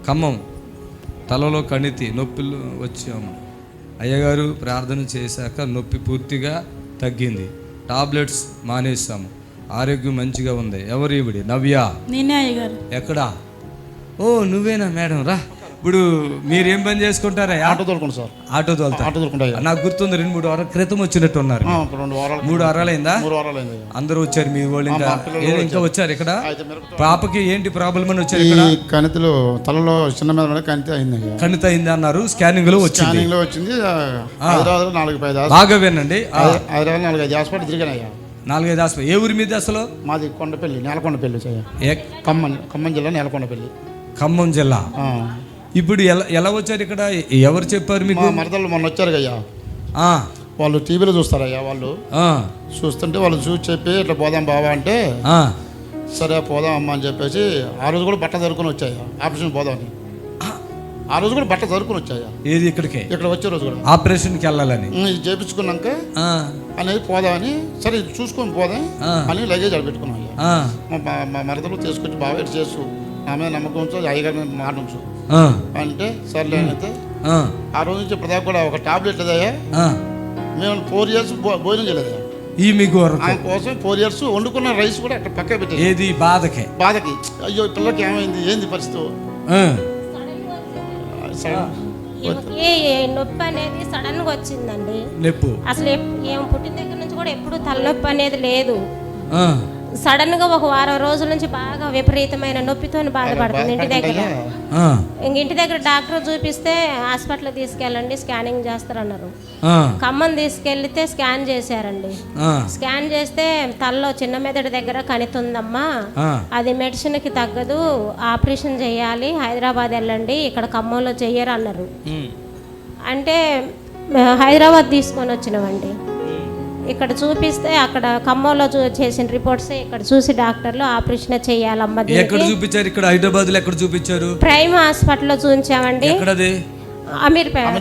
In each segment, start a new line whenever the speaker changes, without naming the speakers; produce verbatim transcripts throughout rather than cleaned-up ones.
ఖమ్మం, తలలో కణితి నొప్పులు వచ్చాము. అయ్యగారు ప్రార్థన చేశాక నొప్పి పూర్తిగా తగ్గింది. టాబ్లెట్స్ మానేసాము. ఆరోగ్యం మంచిగా ఉంది. ఎవరు ఈవిడి? నవ్య.
నేనే అయ్యగారు.
ఎక్కడా? ఓ నువ్వేనా మేడం? రా. ఇప్పుడు మీరేం పని చేసుకుంటారా?
ఆటో తోలుకుంటా సార్.
ఆటో తోలుతా.
ఆటో తోలుకుంటా.
నాకు గుర్తుంది, రెండు మూడు వారాల క్రితం వచ్చినట్టు ఉన్నారు. మూడు వారాలైందా?
మూడు వారాలైంది.
అందరూ వచ్చారు మీ వాళ్ళు? ఇంకా ఇంకా వచ్చారు ఇక్కడ? పాపకి ఏంటి ప్రాబ్లం అని వచ్చారు ఇక్కడ?
కణితిలో తలలో చిన్న మీద కణితి అయింది.
కణితి అయింది అన్నారు. స్కానింగ్ లో వచ్చింది.
స్కానింగ్ లో వచ్చింది. హైదరాబాద్ నాలుగు ఐదు
బాగా వినండి.
హైదరాబాద్ నాలుగు ఐదు హాస్పిటల్ తిరిగానయ్యా.
నాలుగైదు హాస్పిటల్. ఏ ఊరి మీద అసలు?
మాది కొండపల్లి, నేలకొండపల్లి. ఖమ్మం ఖమ్మం జిల్లా నేలకొండపల్లి.
ఖమ్మం జిల్లా. ఇప్పుడు ఎలా ఎలా వచ్చారు ఇక్కడ? ఎవరు చెప్పారు మీకు?
మరదలు మొన్న వచ్చారు అయ్యా. వాళ్ళు టీవీలో చూస్తారయ్యా. వాళ్ళు చూస్తుంటే వాళ్ళు చూసి చెప్పి ఇట్లా పోదాం బావా అంటే సరే పోదాం అమ్మ అని చెప్పేసి ఆ రోజు కూడా బట్ట జరుపుకొని వచ్చాయా. ఆపరేషన్ పోదామని ఆ రోజు కూడా బట్ట జరుపుకొని వచ్చాయా.
ఏది? ఇక్కడికి ఇక్కడ
వచ్చే రోజు కూడా
ఆపరేషన్కి వెళ్ళాలని
చేపించుకున్నాక అనేది పోదామని సరే చూసుకొని పోదాం అని లగేజ్ అక్కడ పెట్టుకున్నాం అయ్యా. మా మరదలు తీసుకొచ్చి బాగా ఇటు చేసు, నా మీద నమ్మకం ఉంచు, అయ్యగారి మాట ఉంచు అంటే సర్లే అయితే ఆ రోజు నుంచి ఇప్పటిదాకా కూడా ఒక టాబ్లెట్ లేదయ్యా. మేము ఫోర్ ఇయర్స్ భోజనం చేయలేదయ్యా.
ఈ మీకు
ఆయన కోసం ఫోర్ ఇయర్స్ వండుకున్న రైస్ కూడా అట్లా పక్క పెట్టేది.
ఏది? బాధకి
బాధకి అయ్యో పిల్లకి ఏమైంది, ఏంది పరిస్థితి?
నొప్పి అనేది సడన్ గా వచ్చిందండి.
నొప్పి
అసలు ఏం పుట్టిన దగ్గర నుంచి కూడా ఎప్పుడు తలనొప్పి అనేది లేదు. సడన్ గా ఒక వారం రోజుల నుంచి బాగా విపరీతమైన నొప్పితో బాధపడుతుంది ఇంటి దగ్గర. ఇంక ఇంటి దగ్గర డాక్టర్ చూపిస్తే హాస్పిటల్ తీసుకెళ్ళండి స్కానింగ్ చేస్తారన్నారు. ఖమ్మం తీసుకెళ్తే స్కాన్ చేశారండి. స్కాన్ చేస్తే తలలో చిన్న మెదడు దగ్గర కణితుందమ్మా, అది మెడిసిన్ కి తగ్గదు, ఆపరేషన్ చేయాలి, హైదరాబాద్ వెళ్ళండి, ఇక్కడ ఖమ్మంలో చెయ్యరు అన్నారు. అంటే హైదరాబాద్ తీసుకొని వచ్చినామండి. ఇక్కడ చూపిస్తే అక్కడ ఖమ్మంలో చేసిన రిపోర్ట్స్ ఇక్కడ చూసి డాక్టర్లు ఆపరేషన్ చేయాలమ్మా.
ఎక్కడ చూపించారు? ఇక్కడ హైదరాబాద్ లో ఎక్కడ చూపించారు?
ప్రైమ్ హాస్పిటల్లో చూపించామండి.
ఎక్కడది?
అమీర్పేట.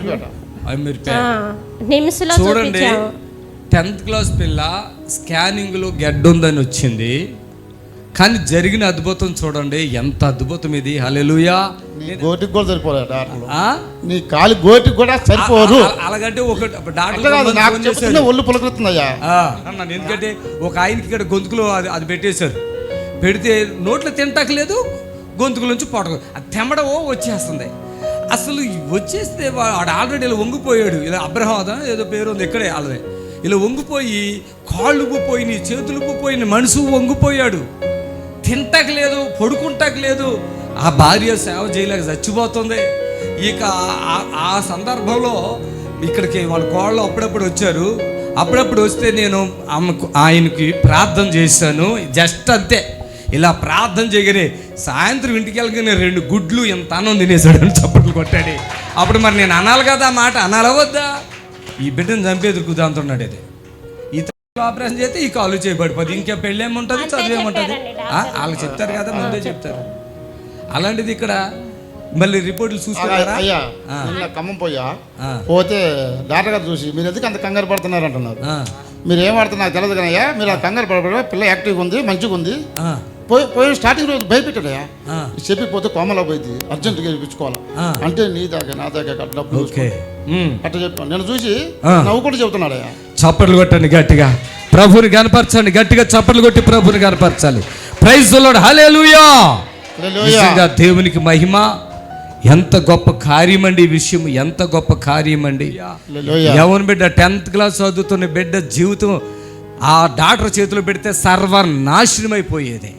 నిమ్స్ లో
చూడండి. టెన్త్ క్లాస్ పిల్ల స్కానింగ్ లో గెడ్డ ఉందని వచ్చింది, కానీ జరిగిన అద్భుతం చూడండి. ఎంత అద్భుతం ఇది! హల్లెలూయా.
గోటికి కూడా సరిపోలేదు. నీ కాలు గోటికి కూడా సరిపోదు.
అలాగంటే ఒక
డాక్టర్ ఒళ్ళు పులకరుతుందయ్యా.
ఎందుకంటే ఒక ఆయనకి ఇక్కడ గొంతుకులో అది అది పెట్టేశారు. పెడితే నోట్లో తింటాకలేదు, గొంతుకుల నుంచి పొడ అది తెమ్మడవో వచ్చేస్తుంది. అసలు వచ్చేస్తే వాడు ఆల్రెడీ ఇలా వంగిపోయాడు. ఇలా అబ్రహాం ఏదో పేరు ఉంది ఇక్కడే వాళ్ళదే. ఇలా వంగిపోయి కాళ్ళు ఉబ్బిపోయినాయి, చేతులు ఉబ్బిపోయినాయి, మనసు వంగిపోయాడు. తింటాక లేదు, పడుకుంటాక లేదు. ఆ భార్య సేవ చేయలేక చచ్చిపోతుంది. ఇక ఆ సందర్భంలో ఇక్కడికి వాళ్ళ కోళ్ళు అప్పుడప్పుడు వచ్చారు. అప్పుడప్పుడు వస్తే నేను ఆమెకు ఆయనకి ప్రార్థన చేశాను. జస్ట్ అంతే, ఇలా ప్రార్థన చేయగానే సాయంత్రం ఇంటికి వెళ్ళగానే రెండు గుడ్లు ఎంత అన్నం తినేసాడు అని చప్పట్లు కొట్టాడు. అప్పుడు మరి నేను అనాలి కదా ఆ మాట, అనాలవద్దా? ఈ బిడ్డను చంపేది కుదాంతున్నాడు. అది ఈ ఆపరేషన్ చేస్తే ఈ కాలు చేయబడిపోతుంది. ఇంకా పెళ్ళి ఏముంటుంది, చదువు ఏముంటుంది? వాళ్ళు చెప్తారు కదా, ముందే చెప్తారు. అలాంటిది ఇక్కడ మళ్ళీ రిపోర్ట్లు చూసుకున్నారా?
ఖమ్మం పోయా పోతే డాక్టర్ గారు చూసి మీరు ఎందుకు అంత కంగారు పడుతున్నారు అంటున్నారు. మీరు ఏం పడుతున్నారు తెలియదు కానీ అయ్యా, మీరు ఆ కంగారు పడబడి పిల్ల యాక్టివ్గా ఉంది, మంచిగా ఉంది. పోయి పోయి స్టార్టింగ్ రోజు భయపెట్టాడయ్యా. చెప్పిపోతే కోమలో పోయింది, అర్జెంటుగా చూపించుకోవాలి అంటే నీ దాకా నా దాకా డబ్బులు అట్లా చెప్పాను. నేను చూసి నవ్వు కూడా చెబుతున్నాడయ్యా.
చప్పట్లు కొట్టండి గట్టిగా, ప్రభుని కనపరచండి. గట్టిగా చప్పట్లు కొట్టి ప్రభుని కనపరచాలి. Praise the lord. హల్లెలూయా. నిజంగా దేవునికి మహిమ. ఎంత గొప్ప కార్యం అండి ఈ విషయం, ఎంత గొప్ప కార్యం అండి. యవన బిడ్డ టెన్త్ క్లాస్ చదువుతున్న బిడ్డ జీవితం ఆ డాక్టర్ చేతిలో పెడితే సర్వనాశనం అయిపోయేది.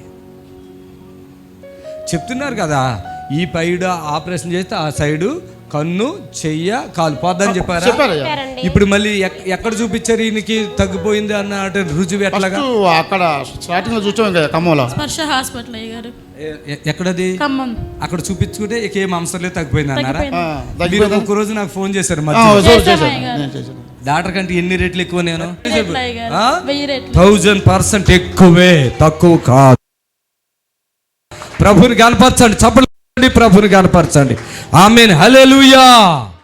చెప్తున్నారు కదా, ఈ పైడ ఆపరేషన్ చేస్తే ఆ సైడు కన్ను, చెయ్య, కాలు పోద్దని చెప్పారా? ఇప్పుడు మళ్ళీ ఎక్కడ చూపించారు ఈయనకి తగ్గిపోయింది అన్న రుజువు ఎట్లాగా?
అక్కడ స్టార్టింగ్ లో చూసాం కదా ఖమ్మంలో
స్పర్శ హాస్పిటల్ అయ్యారు.
ఎక్కడది? అక్కడ చూపించుకుంటే ఏం అంశం లేదు, తగ్గిపోయింది అన్నారా? మీరు ఒక రోజు నాకు ఫోన్ చేశారు డాక్టర్ కంటే ఎన్ని రేట్లు ఎక్కువ? నేను థౌజండ్ పర్సెంట్ ఎక్కువే, తక్కువ కాదు. ప్రభుని కనపరచండి, చప్పట్లు ప్రభుని కనపరచండి. ఆమేన్. హల్లెలూయా.